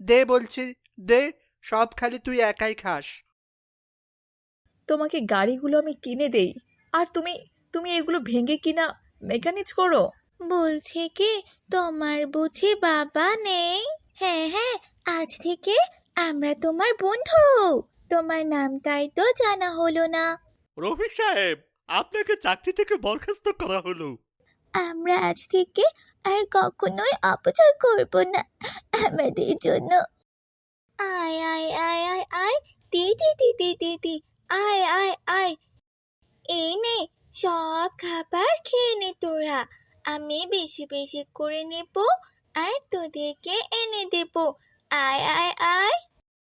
দে বলছি, দে। সব খালি তুই একাই খাস। তোমাকে গাড়িগুলো আমি কিনে দেই, আর তুমি তুমি এগুলো ভেঙে কিনা মেকানিজ করো। বলছে কি, তোমার বুঝি বাবা নেই? হ্যাঁ হ্যাঁ, আজ থেকে আমরা তোমার বন্ধু। তোমার নামটাই তো জানা হলো না। রফিক সাহেব, আপনাকে চাকরি থেকে বরখাস্ত করা হলো। আমরা আজ থেকে আর কখনোই অপচয় করব না আমাদের জন্য। আয় আয় আয় আয় আয়, দি দি দি দি দি দি, আয় আয় আয়। এই নে, সব খাবার খেয়ে নে তোরা। আমি বেশি বেশি করে নেব আর তোদেরকে এনে দেব। আয় আয় আয়।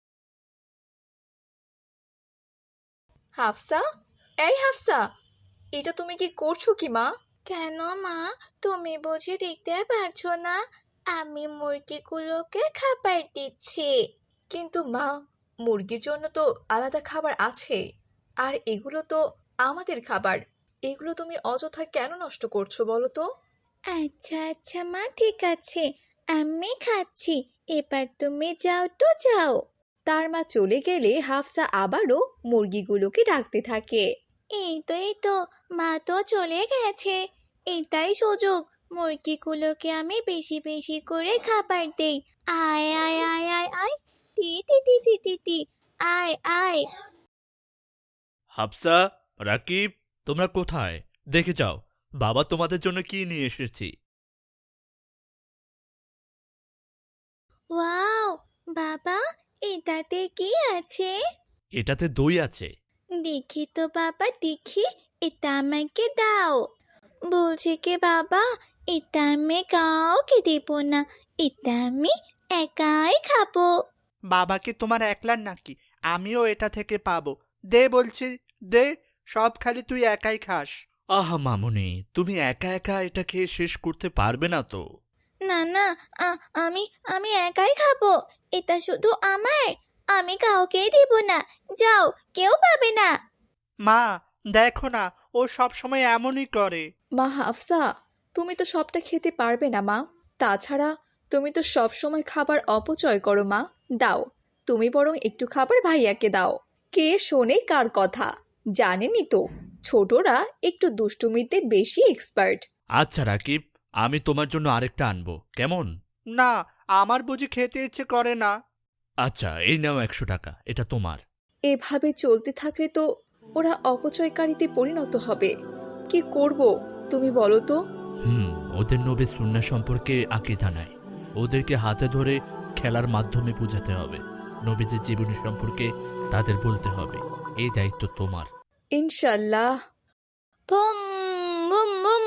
হাফসা, এই হাফসা, এটা তুমি কি করছো কি মা? কেন মা, তুমি বুঝি দেখতে পারছো না? আমি মুরগিগুলোকে খাবার দিচ্ছি। কিন্তু মা, মুরগির জন্য তো আলাদা খাবার আছে, আর এগুলো তো আমাদের খাবার। এগুলো তুমি অযথা কেন নষ্ট করছো বলো তো? আচ্ছা আচ্ছা মা, ঠিক আছে, আমি খাচ্ছি। এবার তুমি যাও তো যাও। তার মা চলে গেলে হাফসা আবারও মুরগিগুলোকে ডাকতে থাকে। এই তো মা তো চলে গেছে। এটাই সুযোগ, মুরগিগুলোকে আমি বেশি বেশি করে খাবার দেই। আয় আয় আয় আয় আয়, টি টি টি টি টি টি, আয় আয়। হাফসা, রাকিব, তোমরা কোথায়? দেখে যাও, বাবা তোমাদের জন্য কি নিয়ে এসেছি। ওয়াও, বাবা, এটাতে কি আছে? এটাতে দই আছে। দেখি তো বাবা, দেখি। এটা আমাকে দাও। বলছি কি বাবা, এটা আমি কাউকে দেব না। এটা আমি একাই খাবো। বাবা কি তোমার একলার নাকি? আমিও এটা থেকে পাবো। দে বলছি, দে। সব খালি তুই একাই খাস। আহা মামুনি, তুমি একা একা এটা খেয়ে শেষ করতে পারবে না তো। না না, আমি আমি একাই খাবো। এটা শুধু আমার। আমি কাউকেই দিব না। যাও, কেউ পাবে না। মা, দেখো না, ও সব সময় এমনই করে। মা হাফসা, তুমি তো সবটা খেতে পারবে না মা। তাছাড়া তুমি তো সব সময় খাবার অপচয় করো মা। দাও, তুমি বরং একটু খাবার ভাইয়াকে দাও। কে শোনে কার কথা? জানেনই তো, ছোটরা একটু দুষ্টুমিতে বেশি এক্সপার্ট। আচ্ছা রাকিব, আমি তোমার জন্য আরেকটা আনবো, কেমন? না, আমার বুঝি খেতে ইচ্ছে করে না। আচ্ছা, এই নাও 100 টাকা, এটা তোমার। এভাবে চলতে থাকলে তো ওরা অপচয়কারীতে পরিণত হবে। কি করব তুমি বলো তো? ওদের নবী সুন্নাহ সম্পর্কে আকীদা নাই। ওদেরকে হাতে ধরে খেলার মাধ্যমে বোঝাতে হবে। নবীজির জীবনী সম্পর্কে তাদের বলতে হবে। এই দায়িত্ব তোমার। ইনশাল্লাহ। Boom boom boom.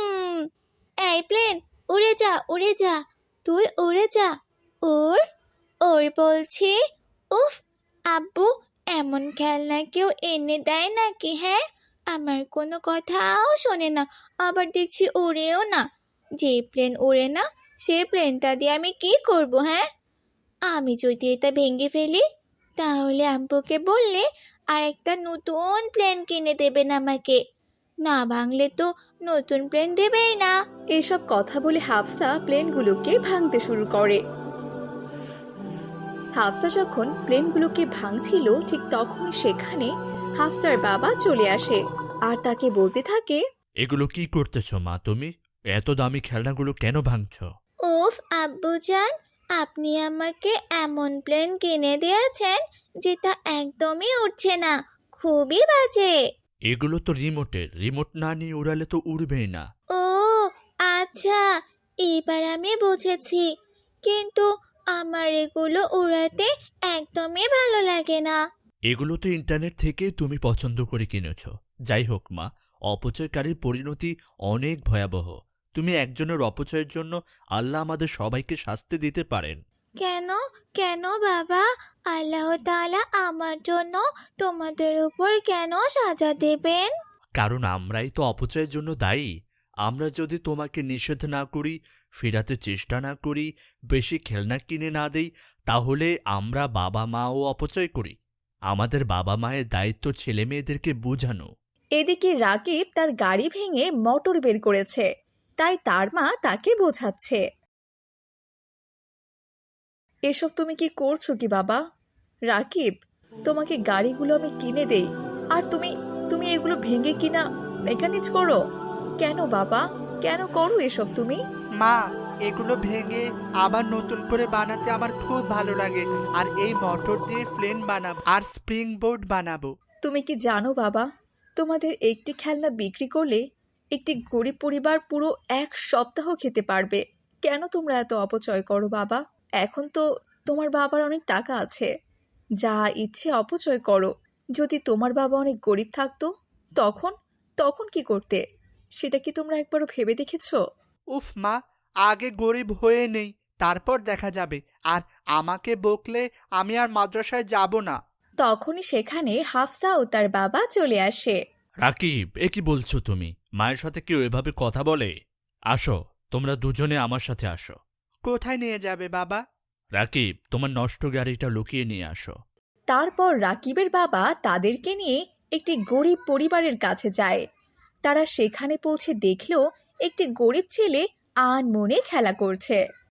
এই প্লেন, উড়ে যা উড়ে যা। তুই উড়ে যা। ওর ওর বলছি। উফ, আব্বু, এমন খেলনা কেউ এনে দেয় নাকি? হ্যাঁ, আমার কোনো কথাও শোনে না, আবার দেখছি ওড়েও না। যে প্লেন ওড়ে না, সে প্লেনটা দিয়ে আমি কি করব? হ্যাঁ, আমি যদি এটা ভেঙে ফেলি, তাহলে আব্বুকে বললে আর একটা নতুন প্লেন কিনে দেবেন আমাকে। না ভাঙলে তো নতুন প্লেন দেবেই না। এসব কথা বলে হাফসা প্লেনগুলোকে ভাঙতে শুরু করে। হাফসা যখন প্লেনগুলোকে ভাঙছিল, ঠিক তখনই সেখানে হাফসার বাবা চলে আসে আর তাকে বলতে থাকে, এগুলো কি করতেছ মা তুমি? এত দামি খেলনাগুলো কেন ভাঙছ? উফ আব্বুজান, আপনি আমাকে এমন প্লেন কিনে দিয়েছেন যেটা একদমই উঠছে না, খুবই বাজে। এগুলো তো রিমোটের, রিমোট না নিয়ে উড়ালে তো উড়বেই না। ও আচ্ছা, এবার আমি বুঝেছি। কিন্তু আমার এগুলো উড়াতে একদমই ভালো লাগে না। এগুলো তো ইন্টারনেট থেকে তুমি পছন্দ করে কিনেছ। যাই হোক মা, অপচয়কারীর পরিণতি অনেক ভয়াবহ। তুমি একজনের অপচয়ের জন্য আল্লাহ আমাদের সবাইকে শাস্তি দিতে পারেন। কেন কেন বাবা, আল্লাহ তাআলা আমার জন্য তোমাদের উপর কেন সাজা দেবেন? কারণ আমরাই তো অপচয়ের জন্য দায়ী। আমরা যদি তোমাকে নিষেধ না করি, ফেরাতে চেষ্টা না করি, বেশি খেলনা কিনে না দেই, তাহলে আমরা বাবা মাও অপচয় করি। আমাদের বাবা মায়ের দায়িত্ব ছেলে মেয়েদেরকে বোঝানো। এদিকে রাকিব তার গাড়ি ভেঙে মোটর বের করেছে, তাই তার মা তাকে বোঝাচ্ছে। এসব তুমি কি করছো কি বাবা? রাকিব, তোমাকে গাড়িগুলো আমি কিনে দেই আর তুমি তুমি এগুলো ভেঙে কিনা মেকানিজ করো কেন বাবা? কেন করো এসব তুমি? মা, এগুলো ভেঙে আবার নতুন করে বানাতে আমার খুব ভালো লাগে। আর এই মোটর দিয়ে প্লেন বানাবো আর স্প্রিং বোর্ড বানাবো। তুমি কি জানো বাবা, তোমাদের একটি খেলনা বিক্রি করলে একটি গরিব পরিবার পুরো 1 সপ্তাহ খেতে পারবে। কেন তোমরা এত অপচয় করো বাবা? এখন তো তোমার বাবার অনেক টাকা আছে, যা ইচ্ছে অপচয় করো। যদি তোমার বাবা অনেক গরিব থাকতো তখন তখন কি করতে? সেটা কি তোমরা একবারও ভেবে দেখেছো? উফ মা, আগে গরিব হয়ে নেই, তারপর দেখা যাবে। আর আমাকে বকলে আমি আর মাদ্রাসায় যাব না। তখনই সেখানে হাফসা ও তার বাবা চলে আসে। রাকিব, এ কি বলছো তুমি? মায়ের সাথে কেউ এভাবে কথা বলে? আসো, তোমরা দুজনে আমার সাথে আসো। কোথায় নিয়ে যাবে বাবা? রাকিব, তোমার নষ্ট গাড়িটা লুকিয়ে নিয়ে আসো। তারপর রাকিবের বাবা তাদেরকে নিয়ে একটি গরিব পরিবারের কাছে যায়। তারা সেখানে পৌঁছে দেখল একটি গরিব ছেলে আনমনে খেলা করছে।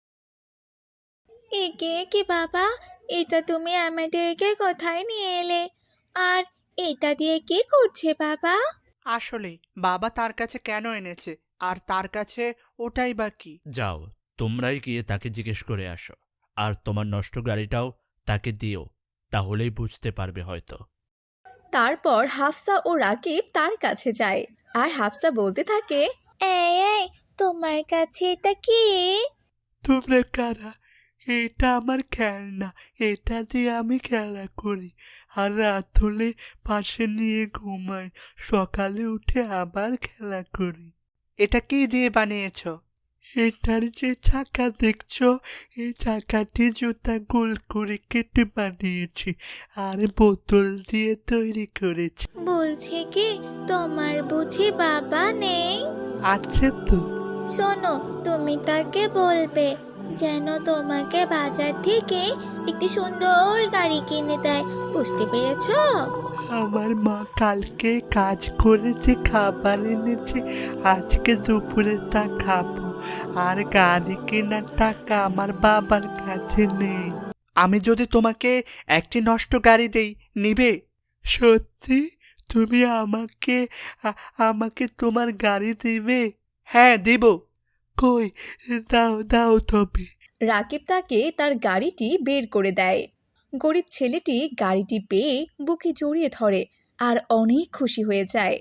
একে কি বাবা, এটা তুমি আমাদেরকে কোথায় নিয়ে এলে? আর এটা দিয়ে কি করছে বাবা? আসলে বাবা তার কাছে কেন এনেছে, আর তার কাছে ওটাই বা কি? যাও, তোমরাই গিয়ে তাকে জিজ্ঞেস করে আসো। আর তোমার নষ্ট গাড়িটাও তাকে দিও, তাহলেই বুঝতে পারবে হয়তো। তারপর হাফসা ও রাকিব তার কাছে যায় আর হাফসা বলতে থাকে, এই তোমার কাছে এটা কি? তোমরা কারা? এটা আমার খেলনা, এটা দিয়ে আমি খেলা করি। আর রাত হলে পাশে নিয়ে ঘুমাই, সকালে উঠে আবার খেলা করি। এটা কি দিয়ে বানিয়েছো? এটার যে চাকা দেখছো, এই চাকাটি জুতা গোল করে কেটে বানিয়েছি, আর বোতল দিয়ে তৈরি করেছি। বলছি কি, তোমার বুঝি বাবা নেই? আছে তো। শোনো, তুমি তাকে বলবে যেন তোমাকে বাজার থেকে একটি সুন্দর গাড়ি কিনে দেয়, বুঝতে পেরেছো? আমার মা কালকে কাজ করে যে খাবার এনেছে, আজকে দুপুরে তা খাবো। আর গাড়ি কেনার টাকা আমার বাবার কাছে নেই। আমি যদি তোমাকে একটি নষ্ট গাড়ি দেই, নিবে? সত্যি? তুমি আমাকে তোমার গাড়ি দিবে? হ্যাঁ, দিব। কই, দাও দাও তবে। রাকিব তাকে তার গাড়িটি বের করে দেয়। গরিব ছেলেটি গাড়িটি পেয়ে বুকে জড়িয়ে ধরে আর অনেক খুশি হয়ে যায়।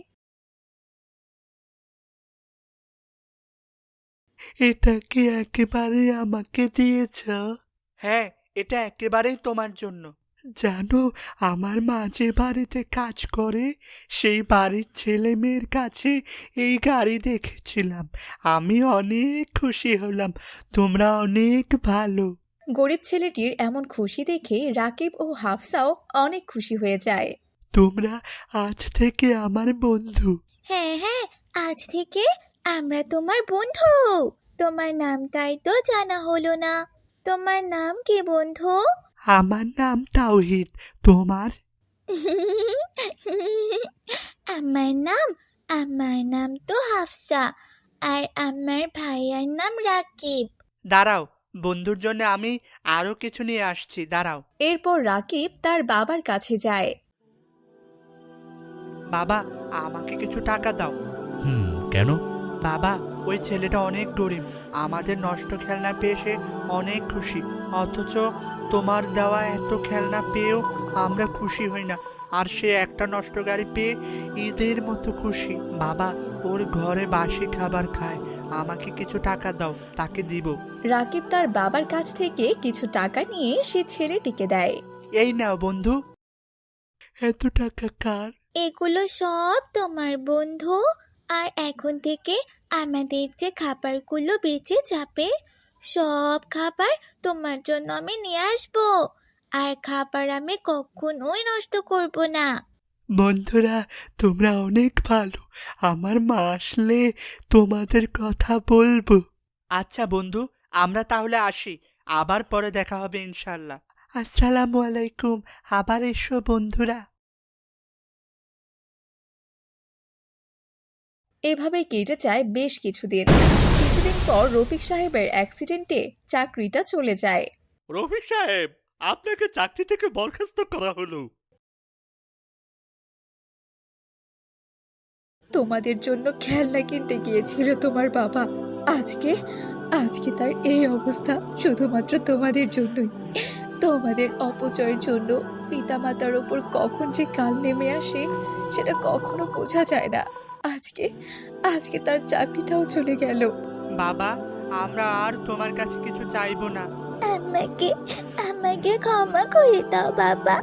এটা কি একেবারে আমাকে দিয়েছ? হ্যাঁ, এটা একেবারেই তোমার জন্য। জানো, আমার মা যে বাড়িতে কাজ করে, সেই বাড়ির ছেলে মেয়ের কাছে এই গাড়ি দেখেছিলাম। আমি অনেক খুশি হলাম। তোমরা অনেক ভালো। গরিব ছেলেটির এমন খুশি দেখে রাকিব ও হাফসাও অনেক খুশি হয়ে যায়। তোমরা আজ থেকে আমার বন্ধু। হ্যাঁ হ্যাঁ, আজ থেকে আমরা তোমার বন্ধু। তোমার নামটাই তো জানা হলো না। তোমার নাম কি বন্ধু? আমার নাম তাওহিদ। তোমার? আমার নাম তো হাফসা। আর আমার ভাইয়ার নাম রাকিব। দাঁড়াও, বন্ধুর জন্য আমি আরো কিছু নিয়ে আসছি, দাঁড়াও। এরপর রাকিব তার বাবার কাছে যায়। বাবা, আমাকে কিছু টাকা দাও। কেন? বাবা, ওই ছেলেটা অনেক গরিব। আমাদের নষ্ট খেলনা পেয়ে সে অনেক খুশি, অথচ তোমার দেওয়া এত খেলনা পেয়েও আমরা খুশি হই না। আর সে একটা নষ্ট গাড়ি পেয়ে ঈদের মতো খুশি। বাবা, ওর ঘরে বাসি খাবার খায়। আমাকে কিছু টাকা দাও, তাকে দিব। রাকিব তার বাবার কাছ থেকে কিছু টাকা নিয়ে সে ছেলেটিকে দেয়। এই নাও বন্ধু। এত টাকা কার? এগুলো সব তোমার বন্ধু। আর এখন থেকে আমাদের যে খাবারগুলো বেঁচে যাবে, সব খাবার তোমার জন্য আমি নিয়ে আসবো। আর খাবার আমি কখনোই নষ্ট করব না। বন্ধুরা, তোমরা অনেক ভালো। আমার মা আসলে তোমাদের কথা বলবো। আচ্ছা বন্ধু, আমরা তাহলে আসি। আবার পরে দেখা হবে ইনশাল্লাহ। আসসালামু আলাইকুম। আবার এসো বন্ধুরা। এভাবে কেটে যায় বেশ কিছুদিন। কিছুদিন পর রফিক সাহেবের অ্যাক্সিডেন্টে চাকরিটা চলে যায়। রফিক সাহেব, আপনাকে চাকরি থেকে বরখাস্ত করা হলো। তোমাদের জন্য খেলনা কিনতে গিয়েছিল তোমার বাবা, আজকে আজকে তার এই অবস্থা শুধুমাত্র তোমাদের জন্যই। তোমাদের অপচয়ের জন্য পিতামাতার ওপর কখন যে কাল নেমে আসে সেটা কখনো বোঝা যায় না। আজকে আজকে তার চাকরিটাও চলে গেল। বাবা, আমরা আর তোমার কাছে কিছু চাইবো না। আমাকে আমাকে ক্ষমা করে দাও বাবা।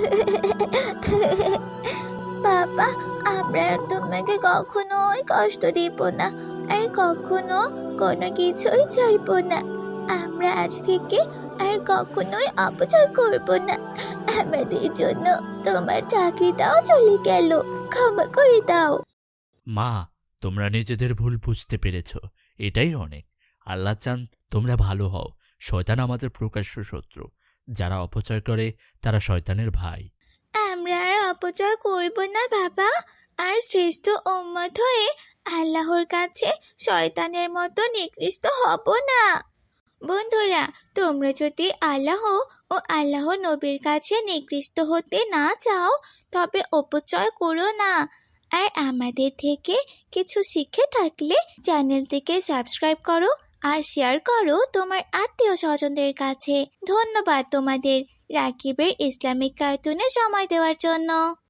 বাবা, আমরা আর তোমাকে কখনোই কষ্ট দিব না, আর কখনো কোনো কিছুই চাইবো না। আমরা আজ থেকে আর কখনোই অপচয় করব না। আমাদের জন্য তোমার চাকরিটাও চলে গেল, ক্ষমা করে দাও। মা, তোমরা নিজেদের ভুল বুঝতে পেরেছ, এটাই অনেক। আল্লাহ চান তোমরা ভালো হও। শয়তান আমাদের প্রকাশ্য শত্রু। যারা অপচয় করে তারা শয়তানের ভাই। আমরা আর অপচয় করব না বাবা, আর শ্রেষ্ঠ উম্মত হয়ে আল্লাহর কাছে শয়তানের মতো নিকৃষ্ট হব না। বন্ধুরা, তোমরা যদি আল্লাহ ও আল্লাহ নবীর কাছে নিকৃষ্ট হতে না চাও তবে অপচয় করো না। আর আমাদের থেকে কিছু শিখে থাকলে চ্যানেলটিকে সাবস্ক্রাইব করো আর শেয়ার করো তোমার আত্মীয় স্বজনদের কাছে। ধন্যবাদ তোমাদের রাকিবের ইসলামিক কার্টুনে সময় দেওয়ার জন্য।